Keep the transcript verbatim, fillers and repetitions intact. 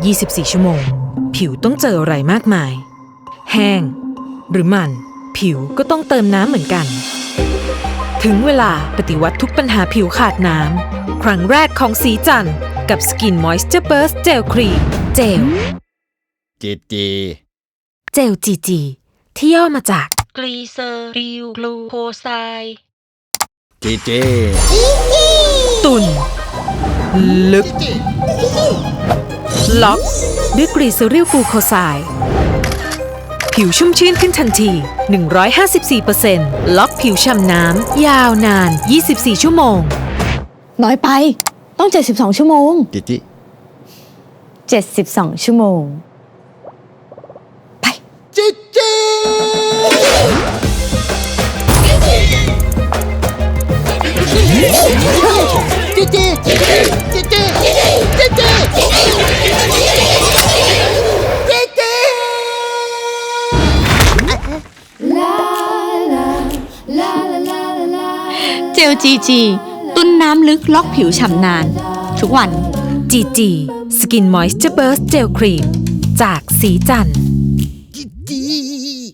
ยี่สิบสี่ ชั่วโมงผิวต้องเจออะไรมากมายแห้งหรือมันผิวก็ต้องเติมน้ำเหมือนกันถึงเวลาปฏิวัติทุกปัญหาผิวขาดน้ำครั้งแรกของสีจันทร์กับ Skin Moisture Burst Gel Cream เจลจีจีเจล จี จี ที่ย่อมาจากกลีเซอริลกลูโคไซด์จีจีตุ่นลึกล็อกด้วยกรีเซอริลกลูโคไซด์ผิวชุ่มชื่นขึ้นทันที หนึ่งร้อยห้าสิบสี่เปอร์เซ็นต์ ล็อกผิวฉ่ำน้ำยาวนาน ยี่สิบสี่ ชั่วโมงน้อยไปต้อง เจ็ดสิบสอง ชั่วโมงจีจีเจ็ดสิบสอง ชั่วโมงไปจีจีจีจีจีจีจีจีจีเจล จี จี ตุ้นน้ำลึกล็อกผิวฉ่ำนาน ทุกวันจี จี Skin Moisture Burst Gel Cream จากสีจันทร์